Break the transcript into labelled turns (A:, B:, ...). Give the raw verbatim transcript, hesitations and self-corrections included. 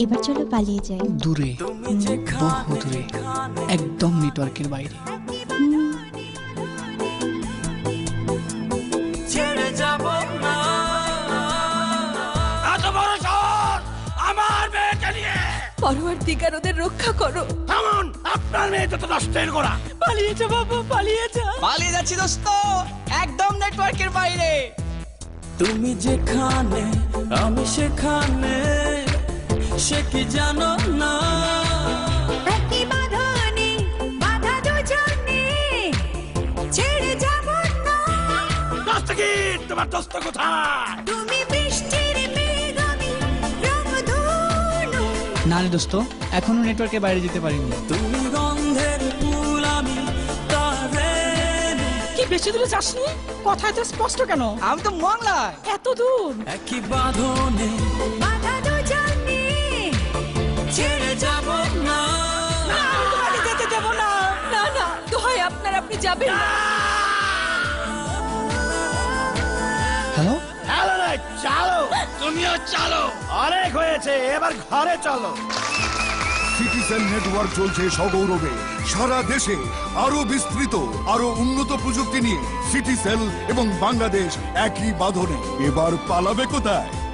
A: এবার চলো পালিয়ে যাই।
B: দূরে, বহু দূরে, একদম নেটওয়ার্কের বাইরে।
C: ছেড়ে যাব না এত বড় শহর আমার মেয়েকে নিয়ে।
D: পরওয়ারদিগার ওদের রক্ষা করো।
C: থামুন, আপনার মেয়ে তো নষ্টের গোড়া।
D: পালিয়ে যা বাবা, পালিয়ে যা।
E: পালিয়ে যাচ্ছি দোস্ত, একদম নেটওয়ার্কের বাইরে।
C: তুমি যেখানে আমি সেখানে, সে কি জানো না?
D: একই বাঁধনে বাঁধা দুজনে, ছেড়ে যাব না।
C: দস্তগীর, তোমার দস্ত কোথায়?
D: তুমি বৃষ্টির মেঘ, আমি রংধনু।
B: না রে দোস্ত, এখনো নেটওয়ার্কের বাইরে যেতে পারিনি।
C: তুমি গন্ধের ফুল, আমি তারে।
D: কি বেশি দূরে যাসনি? কথায় তো স্পষ্ট কেন?
E: আমি তো মংলায়।
D: এত দূর।
C: একই বাঁধনে
D: বাঁধা দুজনে,
C: ছেড়ে যাব না।
D: তোমাকে যেতে দেব না। না না, দোহাই আপনার, আপনি যাবেন না।
B: হ্যালো,
C: হ্যালো রে, চালো, তুমিও চালো। অনেক হয়েছে, এবার ঘরে চলো।
F: সিটিসেল নেটওয়ার্ক চলছে সগৌরবে সারা দেশে। আরো বিস্তৃত, আরো উন্নত প্রযুক্তি নিয়ে সিটিসেল এবং বাংলাদেশ একই বাঁধনে। এবার পালাবে কোথায়?